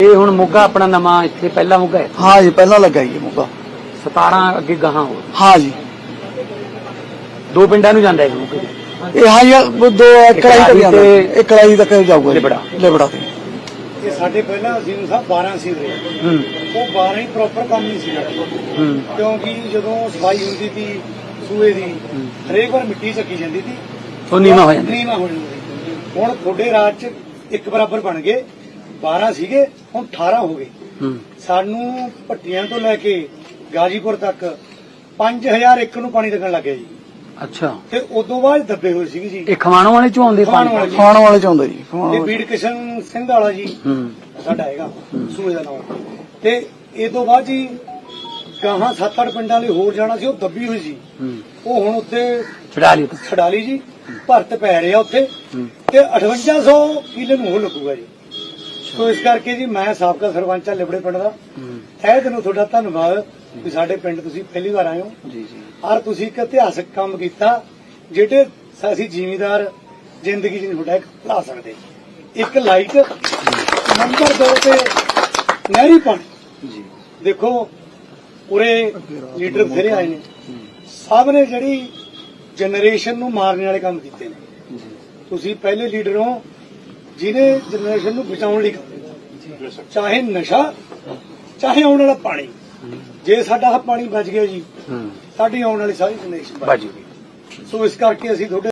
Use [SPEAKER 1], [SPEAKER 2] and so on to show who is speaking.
[SPEAKER 1] ਇਹ ਹੁਣ ਮੋਗਾ ਆਪਣਾ ਨਵਾਂ ਇੱਥੇ ਪਹਿਲਾ ਮੋਗਾ ਹੈ।
[SPEAKER 2] हाँ जी पहला लगा जी मौका।
[SPEAKER 1] 17 ਅੱਗੇ ਗਾਹਾਂ ਹੋ
[SPEAKER 2] हाँ जी
[SPEAKER 1] ਦੋ ਪਿੰਡਾਂ ਨੂੰ ਜਾਂਦਾ ਹੈ ਮੋਗੇ।
[SPEAKER 2] ये हाँ जी वो दो कढ़ाई तक जाता है, एक कढ़ाई तक जाऊगा
[SPEAKER 1] लिबड़ा।
[SPEAKER 2] लिबड़ा से।
[SPEAKER 3] ਇਹ ਸਾਡੇ ਪਹਿਲਾਂ ਅਜ਼ੀਮ ਸਾਹਿਬ 12 ਸੀ ਰਹੇ ਉਹ 12 ਹੀ ਪ੍ਰੋਪਰ ਕੰਮ ਨਹੀਂ ਸੀ ਕਰਦੇ ਕਿਉਂਕਿ ਜਦੋਂ ਸਫਾਈ ਹੁੰਦੀ ਸੀ ਸੂਏ ਦੀ ਹਰੇਕ ਵਾਰ ਮਿੱਟੀ ਚੱਕੀ ਜਾਂਦੀ ਸੀ
[SPEAKER 1] ਉਹ ਨੀਵਾਂ ਹੋ ਜਾਂਦਾ।
[SPEAKER 3] ਨੀਵਾਂ ਹੋ ਜਾਂਦਾ ਹੁਣ ਥੋੜੇ ਰਾਜ ਚ ਇੱਕ ਬਰਾਬਰ ਬਣ ਗਏ 12 ਸੀਗੇ ਹੁਣ 18 ਹੋ ਗਏ ਸਾਨੂੰ ਭੱਟੀਆਂ ਤੋਂ ਲੈ ਕੇ ਗਾਜੀਪੁਰ ਤੱਕ 5000 ਏਕੜ ਨੂੰ ਪਾਣੀ ਲੱਗਣ ਲੱਗ ਗਿਆ ਜੀ
[SPEAKER 1] ਅੱਛਾ
[SPEAKER 3] ਤੇ ਉਦੋਂ ਬਾਅਦ ਦੱਬੇ ਹੋਏ ਸੀਗੇ ਜੀ
[SPEAKER 1] ਇਹ ਖਵਾਣੋਂ ਵਾਲੇ ਚੋਂ ਆਉਂਦੇ
[SPEAKER 3] ਖਮਾਣੋਂ ਵਾਲੇ।
[SPEAKER 2] खाने वाले चाहते जी
[SPEAKER 3] ਤੇ ਬੀੜ ਕਿਸ਼ਨ ਸਿੰਘ ਵਾਲਾ ਜੀ ਸਾਡਾ ਹੈਗਾ ਸੂਏ ਦਾ ਨਾਮ ਤੇ ਇਹ ਤੋਂ ਬਾਅਦ ਜੀ ਗਾਹਾਂ 7-8 ਪਿੰਡਾਂ ਲਈ ਹੋਰ ਜਾਣਾ ਸੀ ਉਹ ਦੱਬੀ ਹੋਈ ਸੀ ਉਹ ਹੁਣ ਉੱਥੇ
[SPEAKER 1] ਛਡਾ ਲਈ
[SPEAKER 3] ਛਡਾ ਲਈ ਜੀ ਭਰਤ ਪੈ ਰਿਹਾ ਉੱਥੇ ਤੇ 5800 ਕਿੱਲੇ ਨੂੰ ਉਹ ਲੱਗੂਗਾ ਜੀ ਸੋ ਇਸ ਕਰਕੇ ਜੀ ਮੈਂ ਸਾਬਕਾ ਸਰਪੰਚ ਆ ਲਿਬੜੇ ਪਿੰਡ ਦਾ ਤਹਿ ਦਿਲੋਂ ਤੁਹਾਡਾ ਧੰਨਵਾਦ ਵੀ ਸਾਡੇ ਪਿੰਡ ਤੁਸੀਂ ਪਹਿਲੀ ਵਾਰ ਆਏ ਹੋ
[SPEAKER 1] ਜੀ ਜੀ
[SPEAKER 3] ਔਰ ਤੁਸੀਂ ਇੱਕ ਇਤਿਹਾਸਕ ਕੰਮ ਕੀਤਾ ਜਿਹੜੇ ਅਸੀਂ ਜ਼ਿਮੀਦਾਰ ਜ਼ਿੰਦਗੀ 'ਚ ਨਹੀਂ ਤੁਹਾਡਾ ਇੱਕ ਭੁਲਾ ਸਕਦੇ ਇੱਕ ਲਾਈਟ ਨੰਬਰ 2 ਤੇ ਨਹਿਰੀ ਪਾਣੀ
[SPEAKER 1] ਜੀ
[SPEAKER 3] ਦੇਖੋ ਪੂਰੇ ਲੀਡਰ ਬਥੇਰੇ ਆਏ ਨੇ ਸਭ ਨੇ ਜਿਹੜੀ ਜਨਰੇਸ਼ਨ ਨੂੰ ਮਾਰਨ ਵਾਲੇ ਕੰਮ ਕੀਤੇ ਨੇ ਤੁਸੀਂ ਪਹਿਲੇ ਲੀਡਰ ਹੋ ਜਿਹਨੇ ਜਨਰੇਸ਼ਨ ਨੂੰ ਬਚਾਉਣ ਲਈ ਕੰਮ ਕੀਤਾ ਚਾਹੇ ਨਸ਼ਾ ਚਾਹੇ ਆਉਣ ਵਾਲਾ ਪਾਣੀ ਜੇ ਸਾਡਾ ਪਾਣੀ ਬਚ ਗਿਆ ਜੀ ਸਾਡੀ ਆਉਣ ਵਾਲੀ ਸਾਰੀ ਜਨਰੇਸ਼ਨ ਬਚ
[SPEAKER 1] ਬਾਜੀ
[SPEAKER 3] ਸੋ ਇਸ ਕਰਕੇ ਅਸੀਂ ਤੁਹਾਡੇ